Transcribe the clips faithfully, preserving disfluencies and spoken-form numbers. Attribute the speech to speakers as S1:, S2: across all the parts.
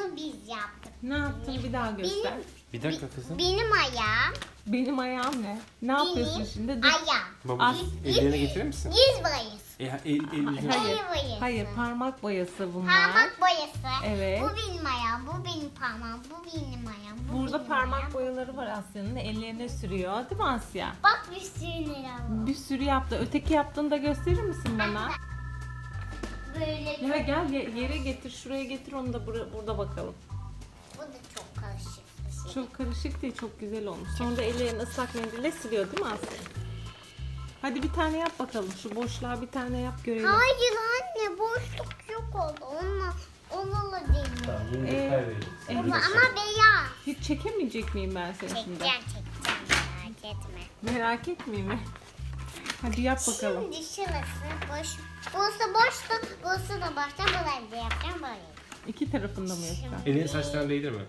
S1: bunu biz yaptık.
S2: Ne yaptın bir daha göster.
S1: Benim,
S3: Bir dakika kızım.
S1: benim ayağım.
S2: Benim ayağım ne? Ne yapıyorsun
S1: Benim
S2: şimdi? Dur.
S1: ayağım.
S3: Babacığım ellerine getirir misin?
S1: Yüz boyası.
S3: E, el, el, yüzüne-
S2: Hayır.
S1: El boyası.
S2: Hayır, parmak boyası bunlar.
S1: Parmak boyası.
S2: Evet.
S1: Bu benim ayağım, bu benim parmağım, bu benim ayağım, bu
S2: Burada
S1: benim
S2: parmak
S1: ayağım.
S2: boyaları var Asya'nın. Ellerine sürüyor. Değil mi Asya?
S1: Bak bir sürü lira var.
S2: Bir sürü yaptı. Öteki yaptığını da gösterir misin bana?
S1: Böyle
S2: Ya gel ye- yere getir, şuraya getir onu da bura- burada bakalım.
S1: bu da çok karışık bir şey.
S2: Çok karışık değil, çok güzel olmuş. Sonra da ellerini ıslak mendille siliyor değil mi Asya? Hadi bir tane yap bakalım. Şu boşluğa bir tane yap görelim.
S1: Hayır anne boşluk yok oldu. Onunla onunla değil.
S3: Tamam, yine
S2: Ee,
S3: detay vereyim.
S2: e,
S1: Ama,
S2: hiç,
S1: ama beyaz.
S2: hiç çekemeyecek miyim ben seni şimdi?
S1: Çekeceğim çekeceğim merak etme.
S2: Merak etmeyeyim mi? Hadi yap bakalım.
S1: Şimdi şurası boş. Burası boştu. Burası da boştu. Burayı da yapacağım böyle.
S2: İki tarafında mı yapacağım?
S3: Elini saçlarına değdirme.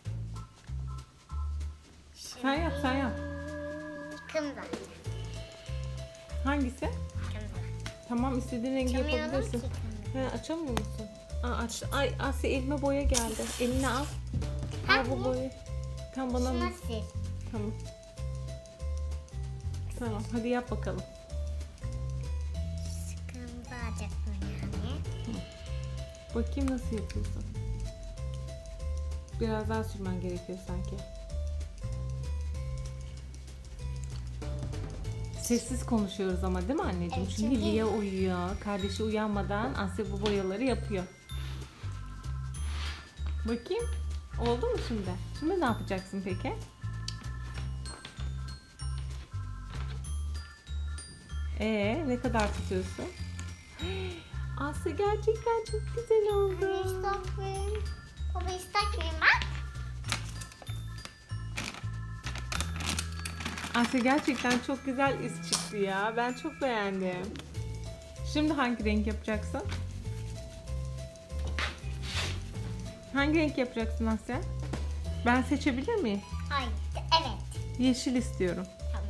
S2: Sen yap, sen yap.
S1: Kımda.
S2: Hangisi?
S1: Kımda.
S2: Tamam, istediğin rengi
S1: Açamıyorum
S2: yapabilirsin.
S1: ki kımda.
S2: He, açamıyor musun? Aa, aç. Ay Asya elime boya geldi. Eline al. Al bu
S1: Hangi?
S2: boyayı. Tam bana mı?
S1: Şuna sil.
S2: Tamam. Tamam, hadi yap bakalım.
S1: Kımda alacaktım yani.
S2: Bakayım nasıl yapıyorsun. Biraz daha sürmen gerekiyor sanki. Sessiz konuşuyoruz ama değil mi anneciğim?
S1: Evet,
S2: Çünkü
S1: çünkü-
S2: Lia uyuyor. Kardeşi uyanmadan Asya bu boyaları yapıyor. Bakayım. Oldu mu şimdi? Şimdi ne yapacaksın peki? Ee, ne kadar tutuyorsun? Asya gerçekten çok güzel
S1: Anne
S2: oldu.
S1: ıslak mıyım? Baba ıslak mıyım bak.
S2: Asya gerçekten çok güzel iz çıktı ya. Ben çok beğendim. Şimdi hangi renk yapacaksın? Hangi renk yapacaksın Asya? Ben seçebilir miyim?
S1: Hayır. Evet.
S2: Yeşil istiyorum.
S1: Tamam.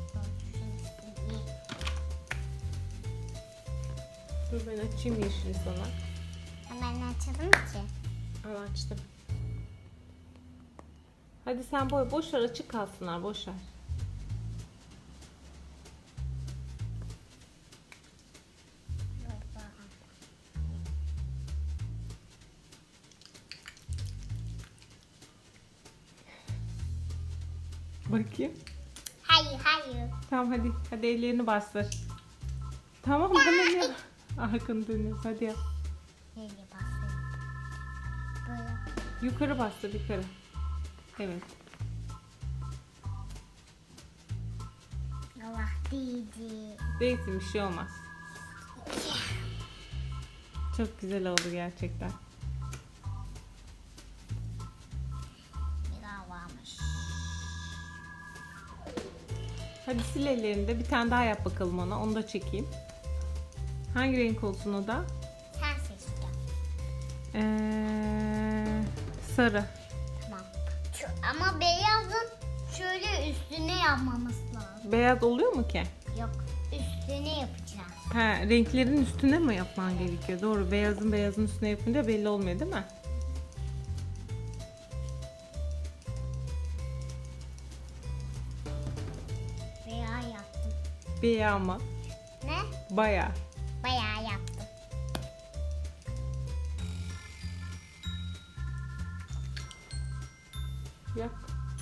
S2: Dur ben açayım yeşili sana.
S1: Ben açalım ki.
S2: Al açtım. Hadi sen boy boş ver, açık kalsınlar, boş ver. Bakayım.
S1: Hayır hayır.
S2: Tamam hadi. Hadi ellerini bastır. Tamam bana ne? Arkanı dönüyoruz. Hadi yap.
S1: Nereye basayım? Böyle.
S2: Yukarı bastır yukarı. Evet.
S1: Allah değdi.
S2: Değilsin, bir şey olmaz. Çok güzel oldu gerçekten.
S1: Bir daha varmış.
S2: Hadi sil ellerini de bir tane daha yap bakalım ona. Onu da çekeyim. Hangi renk olsun o da?
S1: Sen seçeceksin.
S2: Ee, sarı.
S1: Tamam. Şu, ama beyazın şöyle üstüne yapmamız lazım.
S2: Beyaz oluyor mu ki?
S1: Yok. Üstüne yapacağız.
S2: Ha, renklerin üstüne mi yapman gerekiyor? Doğru. Beyazın beyazın üstüne yapınca belli olmuyor değil mi?
S1: Veya yaptım.
S2: Beyaz mı?
S1: Ne?
S2: Bayağı.
S1: Bayağı yaptım.
S2: Yap.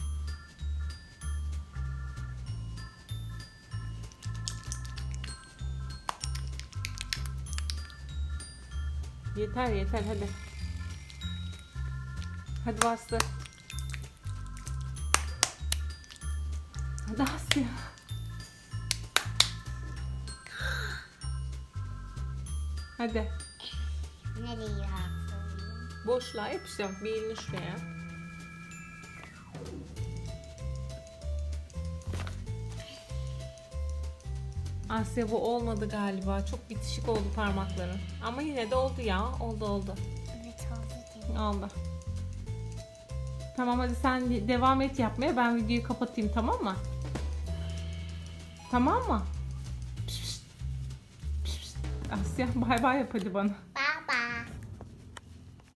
S2: Yeter yeter hadi. Hadi bastır. Hadi Asya. Hadi.
S1: Nereye yaptım?
S2: Boşluğa yapışacağım. Bir elini şuraya. Asya bu olmadı galiba. Çok bitişik oldu parmakların. Ama yine de oldu ya. Oldu oldu.
S1: Evet oldu değil.
S2: Oldu. Tamam hadi sen devam et yapmaya. Ben videoyu kapatayım, tamam mı? Tamam mı? Pişt, pişt. Pişt, pişt. Asya bay bay yap hadi bana.